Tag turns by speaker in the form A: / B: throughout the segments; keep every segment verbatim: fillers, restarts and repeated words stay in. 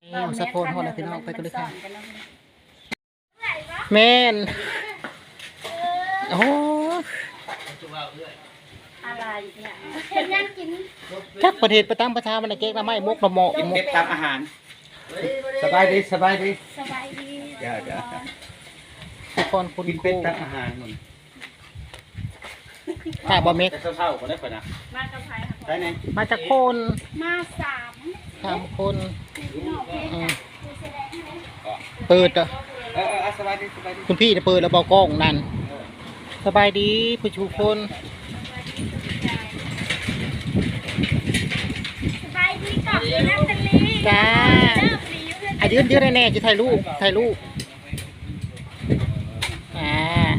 A: สะโพนหอดเลยพี่น้องไปกันเลยค่ะแม่นโอ้
B: อะไรเนี่ยเห็นยังกิน
A: จักประเทศประตามประชามันเก๊กละไม่มุกละหมออีกมุก
C: เก็บตามอาหารสบายดีสบายดี
B: สบายดี
C: เดี๋ยวเดี๋ยว
A: ทุกคนคุณ
C: กิน
A: ค
C: เป็
A: รู
C: ดตามอาหารมัน
A: ถ้าบ่เม็ก
C: แต่เท่าๆก็ได้ปะนะ
B: มากับใครค่ะ
C: ได้ไหม
A: มาจากคน
B: มาสาม
A: สามคน
B: นอกเพชร
A: อืม
B: คือแสดงให้
A: เปิดอ่ะ
C: เออเออสบายดีสบายดี
A: คุณพี่จะเปิดแล้วบอกกล้องนั่นสบายดีผู้ชูคน
B: สบายดีกับคุณนัทลี
A: จ้า
B: เลิกรีวิว
A: อ่ะยืนยืนแน่ๆจะถ่ายรูปถ่ายรูปอ่า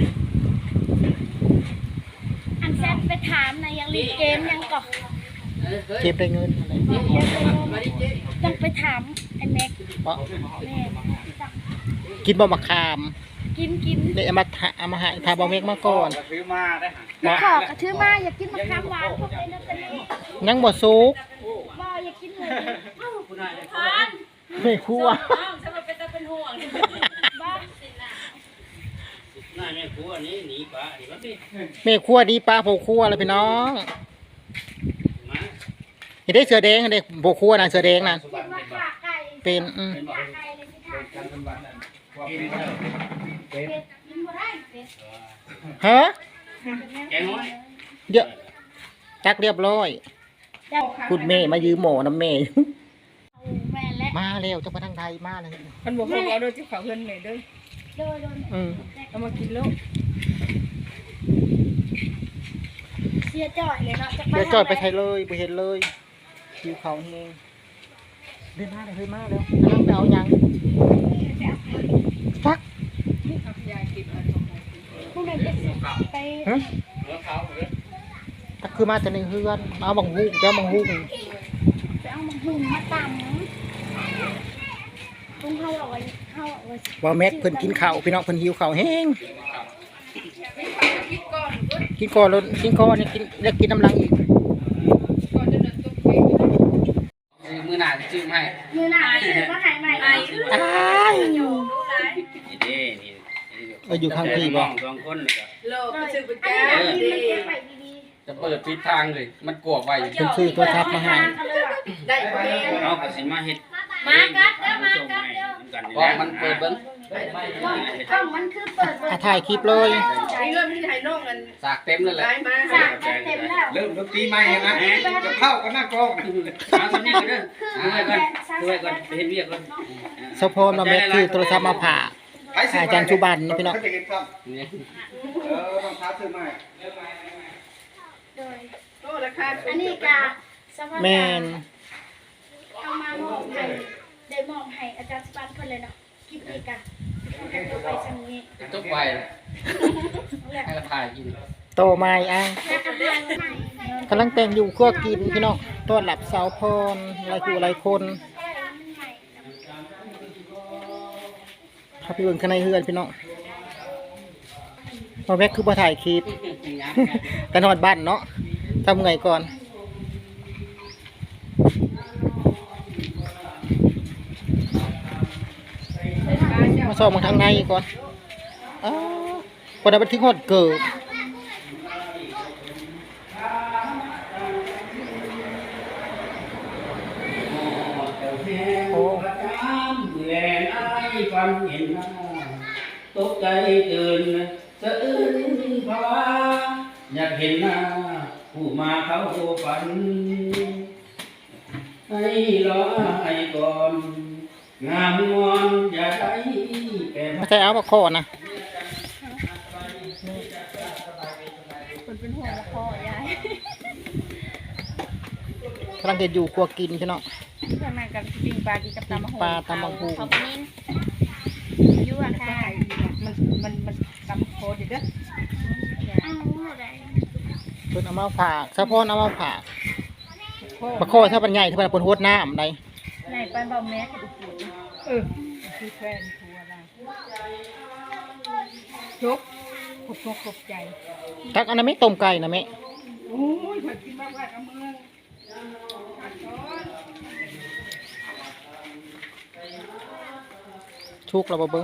B: อันแซดไปถามนะยังรีเกมยังก่อน
A: เก็บได้เงินอะไร
B: ยังไปถามไอ้แม็ก
A: เพราะ
B: แม่
A: กินบ่มะขาม
B: กินกิน
A: เลยเอามาทาเอามาให้ทาบอเมกมาก่อน
C: ซื้อมาได้หา
B: มาขอกระทือมาอยากกินมะขามหวานพวกไอ้นัทลี
A: ยังบ่สุก
B: บ่อยากกินหมูเอ้า
A: ไม่คั่ว
D: ฉันมาเป็นตาเป็นห่วง
B: บ้า
C: หน้าแม่ครัวนี้หนีปลาหนีมาสิ
A: แม่คั่วดีปลาโผคั่วเลยพี่น้อง
C: มา
A: เห็นได้เสือแดงเห็นได้โผคั่วนะเสือแดงนั่น
B: คิดว่าขาไก่
A: เป็นอืม
B: ขาไก่เลยสิถาม
C: กันเป็นวันนั้นกินเป็ด
B: เป็ดกินบ่ได้เป็ด
A: ฮะ
C: แกงน้อย
A: เดี๋ยวจักเรียบร้อย
B: เจ้า
A: คุณแม่มายืมหมอน้ำแม่
B: แม่และ
A: มาเร็วจะมาทางใดมาเลย
D: มันบอกพวกเราโดยที่เขาเพื่อนเลยด้วย
B: โดยโดย
A: อืม
D: เอามากินลูก
B: เสียจ่อยเลยเนาะจะ
A: เดี๋ยวจอดไปไทยเลยไปเห็นเลยคิวเขาเองเดินมาเลยเฮ้ยมาเร็วกำลังไปเอายังฟัก
D: ยายกินอะไรของมัน
B: พวกนั้นจะไป
A: ฮะ
C: หัวเขาเลย
A: ตักคือมาแต่ในเฮือนเอาบังฮุกเจ้าบังฮุก
B: ไปเอามาหุ่นมาตำต้องเข้าเอาไว้เข้าเอาไว้
A: ว่าแม็กเพิ่นกินข้าวพี่น้องเพิ่นหิวข้าวแห้งกินก่อนแล้วกินก่อนเนี่ยกินแล้วกินน้ำลังอีก
D: ก่อนจะเดินตุ๊กไป
C: มือหนาจิ้มให้
B: มือหนาซื้อมาหายใหม่
D: ไอ้
A: อ้าย
D: อยู่รู้ไร
C: นี่นี่
A: เอออยู่ข้างพี่บ่
C: สองคนเลย
D: โลกก็ซื้อไป
B: อัน
D: แก้
B: นี้
D: ว
B: มัน
D: ดี
B: เก็บไว้ดี
C: จะเปิดปิดทางเลยมันกลัวไว้
A: เพิ่นซื้อตัวทับมาให้
D: ได้เอง
C: เอากระสิมาเฮ็ด
B: มากัดเด้อมากัดเด้อ
C: เพราะมันเปิดเบิ้ง
B: กล้องมันคือเปิดเปิ
A: อ่ะ
B: ด
A: ถ่ายคลิปเลย
D: ไอ้เรื่องที่ไทยนอกกัน
C: สากเต็มเลยแหละ
D: ได้มา
B: สากเต็มแล้ว
C: เริ่มดนตรีใหม่นะจะเข้ากันหน้ากล้องเอาสำนีกันเด้อด้วยก่อนด้วยก่อนเห็นเรียกก่อน
A: สะโพนมาแม็กคือโทรศัพท์มาผ่าอาจารย์ชุบันนี่พี่น้อง
C: นี่เออรองเท้าซื้อใหม่
B: โดย
D: โอ้ราคา
B: อันนี้กาสภาพ
A: แม่น
B: เอามามอบให้ได้มอบให้อาจารย์สปันเพิ่นเลยเนาะคลิปนี้กะให้ตัวไปสังนี้
C: ทุกใบให้กระถ่ายกิน
A: โตมาอีกอ่ะ
B: แล้วก็ให้ใหม่
A: กำลังแต่งอยู่ครัวกินพี่น้องต้อนรับสาวพรหลายคู่หลายคนถ้าพี่เบิ่งข้างในเฮือนพี่น้องมาแม็กคือบ่ถ่ายคลิป กันฮอดบ้านเนาะทำไงก่อนมาสอบมาทางในก่อนอ้าวพอได้ไปถึงฮอดเกิดโอ้
C: แลนไอ้ฟันเห็นหน้าตกใจตื่นสะอื้นภาวะอยากเห็นหน้าผู้มาเขาฝันให้รอให้ก่อนงามงอนอย่าได้แก่
A: ไม่ใช่เอามาข้อนะ
B: คนเป็นห่วงละพ่อยาย
A: กำลังจะอยู่ครัวกินพี่น้อง
D: ข้างในกันปิ้งปลากินกับตำมะฮง
A: ปลาตำบักหุ่ง
B: ขอบคุณยั่วค่ะ
D: มันมันมันตำโคตรเด้อ
B: อ้าวอะไร
A: เพิ่นเอามาฝากสะพอนเอามาฝากปลาข้อถ้าเป็นใหญ่ถ้าเป็นปนโหดน้ำใด
D: ไหนปลาเบาแม่กับดูเออคือแฟนทัวอะไรจบขบขบใจ
A: ทักอันนั้นไม่ต้มไก่นะแม่
D: โอ้ยผัดกินมากว่ากับเมือง
A: ชุกแล้วบ่เบิ่ง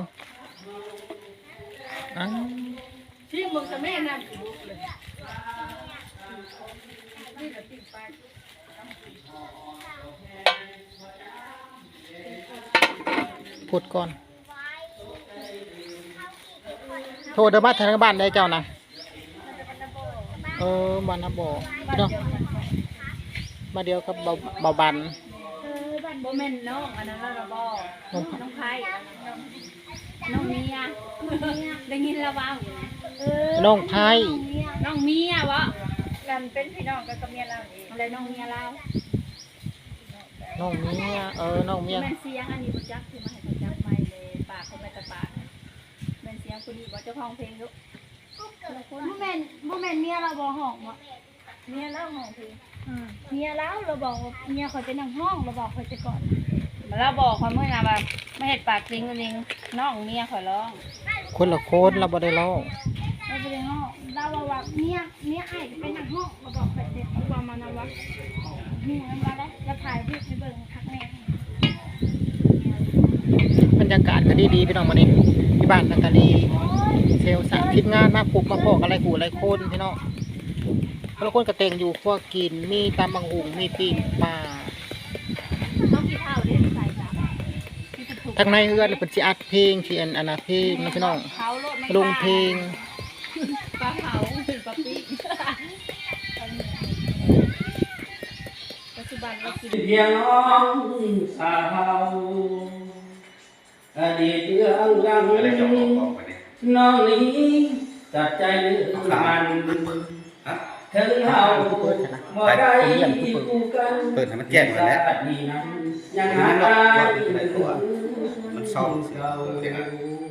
A: อ้าว
D: ที่มึงกับแม่นั่น
A: พูดก่อนโทรเดินมาทางบ้านได้เจ้านะเออบ้านนะบ่พี่น้องมาเดียวกับเบาเบาบัน
B: เออบ้าน
D: บ่แม่นน้องอันนั้นเราบ่
A: น้อง
D: น้องไผ่น้องเมียได้ยินแล้วว่า
B: เออ
A: น้องไผ่
D: น้องเมียวะกันเป็นพี่น้องกันกับเมียเราเองอะไรน้องเมียเรา
A: น้องเมียเออน้องเมีย
D: แม่นเสียงอันนี้บ่จักคือมาให้เขาจักไม่เลยปากเขาไปตะปากแม่นเสียงคนนี้บ่เจ้าของเพลงลูก
B: บ่แม่นบ่แม่นเมียเราบ่ห้องบ่
D: เมียเล่าของเพลง
B: อ่าเมียเราเราบอกว่าเมียคอยเป็นนางห้องเราบอกคอยไปก่อน
D: มาแล้วบอกความเมื่อไงว่าไม่เห็ดปากจริงจริงน้องเมียขอร้อง
A: คนละคนเราบ่ได้เล่า
B: เราไปในห้องเราบอกว่าเมียเมียไอ้เป็นนางห้องเราบอกคอยเด็กเอาความมานำวะมีนำมาได้แล้วถ่ายรูปให้เบิ่งทักแม่
A: บรรยากาศก็ดีๆพี่น้องมานี่ที่บ้านนักกะลีเซลล์สั่งทีมงานมาปลูกมาพอกอะไรกูอะไรคนพี่น้องแล้วคนกระเตงอยู่พวกกินมีตำบังหุงมีปีกปลา
D: ต้องกี่เท่าเด้ใส่จ้ะ
A: ทางในเฮือนเป็นสิอัดเพลงสิอันอันนะเพลงนะพี่น้อง
D: เขาโลดไม่
A: ลงเพลง
D: ปลาเผาปลาปีปัจจุบันเรากิน
C: เพียงน้องสาวอดีตเรื่องรัง
E: อะไรจะบอกบอกวันนี้
C: น้องนี้ตัดใจเลือกมัน
E: ฮะ
C: ถึงเฮาบ่ได้คู่กัน
E: เปิดให้มันแจ้งก่อนแล้ว
C: นี่นั้นยังหา
E: มัน
C: ได้
E: รอบอยู่ในตัวมันซ่อมเสียงเสียงอะ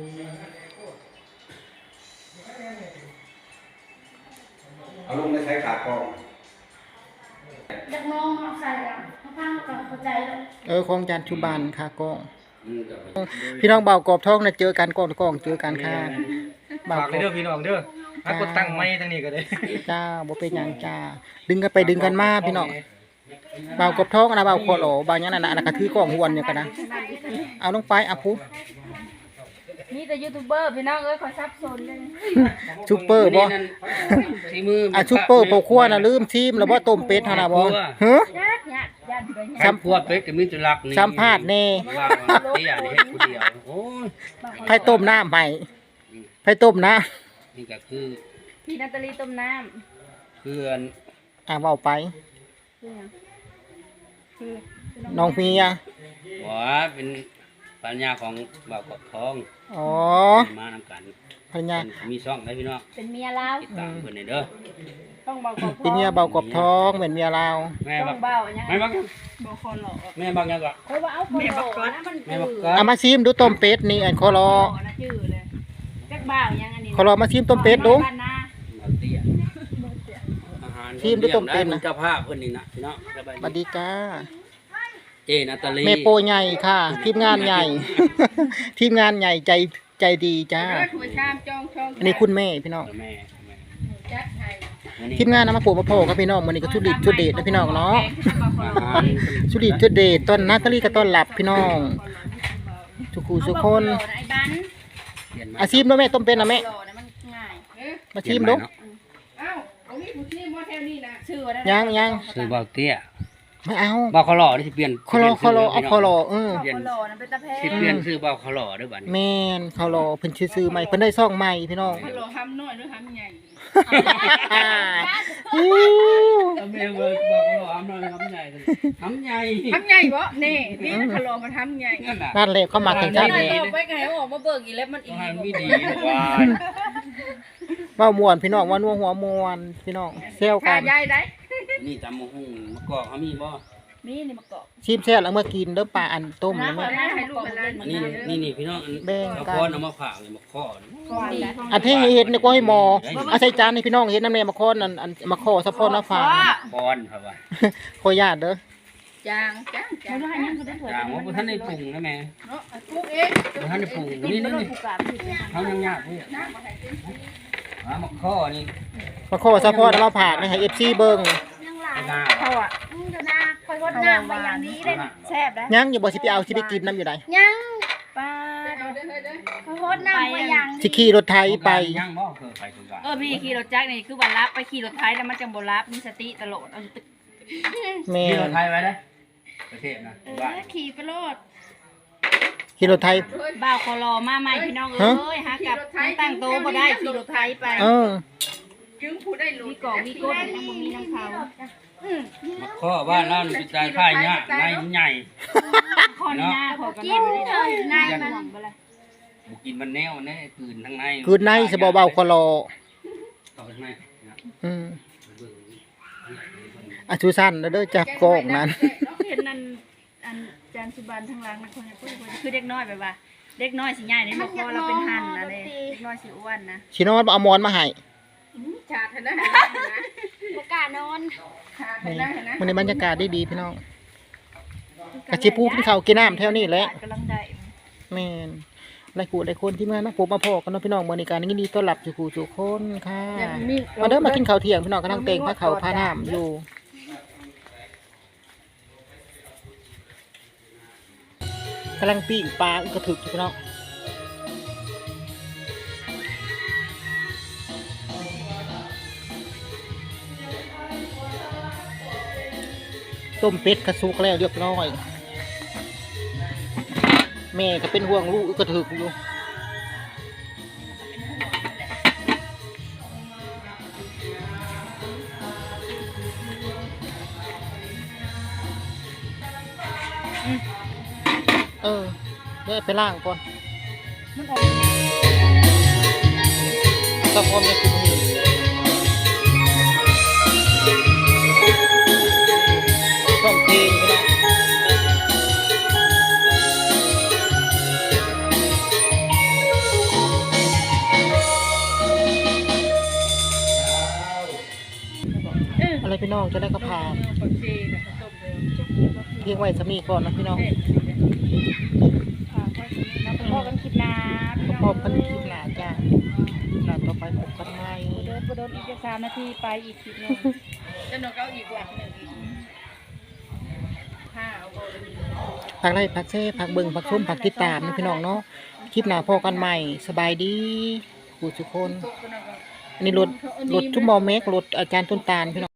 E: เอาลงในใช้ขากอง
B: อยากน้องเขาใส่อะเขาฟังก่อนเข้าใจแล้ว
A: เออของจานชุบานค่ะกล้อง
C: อืมก็ไป
A: พี่น้องเบากรอบท้องนะเจอกันกล้องกล้องเจอกันค่ะเบา
F: ฝาก
A: กร
F: เด้
A: อ
F: อบ พี่น้องเด้อถ้ากดตั้งไม้ทางนี้ก็ได้
A: จ้าบ่เป็นหยังจ้าดึงกันไปดึงกันมาพี่น้องเบากรอบท้องนะเบาคอโหลเบาหยังนั่นน่ะอันนั้นก็ถือกล้องหวนเนี่ยกันนะเอาลงไปอ่ะพุ
D: นี่แต่ยูทูบเบอร์พี่น้องเอ้ยขอซับซ้อนเลย
A: ซุปเปอร์บ่
C: ที่มือ
A: อ่ะซุปเปอร์โปครัวน่ะลืมทีมแล้วบ่ต้มเป็ดหั่นน่ะบ่ฮะ
D: ญาติญาติญาติเลย
C: สัมพวดเป็ดก็มีแตุลักนี่
A: สัมภาษณ์แน่
C: ว่าเตี้ยนี่เฮ็ดผู้เดียวโอ้ย
A: ไผต้มน้ำให้ไผต้มน้
C: นี่ก็คือ
D: พี่นาตาลีต้มน้
C: เพื่อน
A: ำอ่ะเว้าไป
D: ำคือหยังคือ
A: น้องเมีย
C: ว่าเป็นปัญญาของบ่าวกบทอง
A: อ๋อ
C: มานำกัน
A: ภรรยา
C: เพิ่นมีช่องได้พี่น้อง
D: เป็นเมียเรา
C: ติดตามเพิ่นได้เด้อ
D: ต้องเบาขอบ
A: เป็นเมียเบากรอบท้องเหมือนเมียลาว
C: แม่
D: ต้
C: บั
D: อก งเบาอย่าง
C: แม่บักยัง
D: บ่คอนหรอก
C: แม่บักยังก็
D: เพราะว่าเอาคนโหลนะมัน
C: แม่
D: จื
C: บัก
D: ด
C: ก็
A: เอามาชิมดูต้มเป็ดนี่อันคอรอ
D: นะจืดเลยจักบ้าอย่างอันนี้
A: คอรอมาชิมต้มเป็ดดู
D: บ้านนา
C: บักเตี้ยอาหาร
A: ทีมด้วยต้มเป็ดนะ
C: เจ้าภาพเพิ่นนี่นะพี่น้องสบาย
A: สวัส
C: ดี
A: ดีจ้า
C: เจนาตาลี
A: แม่โปใหญ่ค่ะ ทีมงานใหญ่ ทีมงานใหญ่ใจใจดีจ้า
D: เลือดหัวชามจองช่อง
A: อันนี้คุณแม่พี่น้อง
C: แม่แม่
D: จัดให้
C: อันนี้
A: ทีมงานนำมาปลูกมาโพกับพี่น้องมันนี้ก็ชุดดิบชุดเดชนะพี่น้องเนาะ
C: อาหาร
A: ชุดดิบชุดเดชต้นนาตาลีก็ต้อนรับพี่น้องทุกคู่ทุกคน
D: ไอ้บ้าน
C: เปลี่ยนมา
A: อาชิมดูแม่ต้มเป็ดนะแม่
D: หล่อนะมันง่าย
A: มาชิมดู
D: อ้าวเอานี่ผู้ที่มาแถวนี้นะชื่อว่าได้
A: ยังยัง
C: ซื้อบ่าวเตี้ย
A: ไม่เอา
C: บ่าวขอหล่อนี่สิเปลี่ยน
A: คอรอคอรอเอาคอรอเออ
C: เปลี่ยน
D: หล่อนะเป็นตะแพ
C: สิเปลี่ยนซื้อบ่าวขอหล่อเด้วยบัดนี้
A: แม่นเขารอเพิ่นซื้อๆใหม่เพิ่นได้ซ่องใหม่พี่น้อง
D: หล่อห้ำน้อยหรือห้ำใหญ่
A: อิ๊ว
C: แม่เบิกบ่าวขอหล่อทำน้อยทำใหญ่ทำใหญ่
D: ห้ำใหญ่บ่เน่นี่ถ้าหล่อมันห้ำใหญ่
C: นั่นน่ะ
A: นั่นแหละเขามากันจัง
D: หน่อย
A: เลย
D: ต่อไปไงออกมาเบิกอีกแล้วมันอีก
C: อาหารไม่ดีว่า
A: เว้าม่วนพี่น้องว่านัวหัวม่วนพี่น้องเซลกั
D: ขาน ใหญ่ได้
C: นี่ตำมะฮุ่งมะกอกเขามีบ่
D: นี่นี่มาเกาะ
A: ชิมแซ่บแล้วเมื่อกินเด้อปลาอันต้มนะแม่
D: ให้ลูกเป็นร้าน
C: อันนี้นี่นี่พี่น้องอัน
A: แบ่งกัน
C: เอาค้อนเอามาผ่าเลยมาข้อนี่
D: ก่อนนะ
A: อันที่เห็ดนี่ก็ให้หมอเอาใส่จานให้พี่น้องเห็ดน้ำแม่มาค้อนอันอันมาข้อสะพอนน้ำฝา
C: ค้อนครับว่า
A: ขอญาตเด้อ
D: จางจางจางให้ยังเขาได้ถวย
C: จางว่าบ่ทันได้ปรุงนะแม่
D: เนาะปลูกเอง
C: บ่ทันได้ปรุงนี่นี่นี่
D: ปลูกกาบผิดเลย
C: เฮายังยากเด้อมาข้อนี่
A: มาข้อสะพอนน้ำผ่าให้ เอฟ ซี เบิ่ง
B: ยังหลาย
C: หน้า
D: เขาอ่ะ
B: อืมเดี๋ยวนะคอยวัดน้ำไปอย่างนี้เลย
D: แซ่บนะ
A: ยังอย่าบ่สิไปเอาสิไปกินน้ำอยู่ใด
B: ยัง
D: ป้า
B: เขาโคตรน้ำไปยัง
A: สิขี่รถไถไป
C: ยังบ่เคยไปสงกรานต์
D: เออพี่ขี่รถจักรนี่คือว่ารับไปขี่รถไทยแล้วมันจังบ่รับมีสติตลอดเอาตึก
A: แม่
C: มีรถไทยไว้ได้ประเทศนะ
B: เอ
C: บ้าน
B: อขี่ไปโลด
A: ขี่รถไถ
D: บ่าวคอรอมาใหม่พี่น้องเอ้ยหากับตั้งโตบ่ได้ขี่รถไทยไป
A: เออ
D: มีกล่องมีก้นยังบ่มีน้ำเขา
C: มาข้อบ้านเรานี่เป็นการค่ายยากในใหญ่
D: ขอนี่หน้าขอกัน
B: กินเลยนาย
D: ยัน
B: มัน
D: หวังบ่ล่ะ
C: บุกินมันแนวแน่ตื่นทั้งใน
A: คืนในสบเบาคอรอ
C: ต่อไปไหมนะ
A: อืมอาชูสั้นแล้วเด้อจากกอกนั้น
D: เห็นนั่นอันจานสุบันทางหลังนะคนเนี่ยพูดคนคือเด็กน้อยแบบว่า เด็กน้อยสิใหญ่ในบ่คอเราเป็นหั่นนะเด้เด็กน้อยสิอ้วนนะ
A: ชิโนอนเอาหมอนมาให้
B: ประกล้านอน
A: นี่มันในบรรยากาศดีๆพี่น้องกะชิพูกินข้าวกินน้ำแถวนี้แหละ
D: กำลังได้
A: แม่นหลายผู้หลายคนที่มานะผมมาพอกันเนาะพี่น้องมื้อนี้การยินดีต้อนรับสู่ผู้สู่คนค่ะมาเด้อมากินข้าวเที่ยงพี่น้องกำลังเต่งพระเขาพาน้ำอยู่กำลังปิ้งปลาอึกกระถึกอยู่พี่น้องต้มเป็ดกระซุกแล้วเรียบร้อยแม่ก็เป็นห่วงลูกอึกกระถึกอยู่เออเดี๋ยวไปล่างก่อนตะพร้อมในคุมนี้ต้องเพลงก็ได้อะไรพี่น้องจะได้กระพานเพียงไว้สามีก่อนนะพี่น้อง
D: พ่อกันคิดนา
A: พบกันคลิปหน้าจ้าหน้าต่อไปพบกันใหม่
D: เดินบ่โดนอีกจะสามนาทีไปอีกคลิปนึงจะนกเอาอีกหลักนึงอีกห้าเอาบ่
A: ผักไร่ผักเซ่ผักเบิ่งผักส้มผักติดตามนะพี่น้องเนาะคลิปหน้าพอกันใหม่สบายดีผู้ทุกคนอันนี้รถรถทุ่มบอเมกรถอาจารย์ต้นตาลพี่น้อง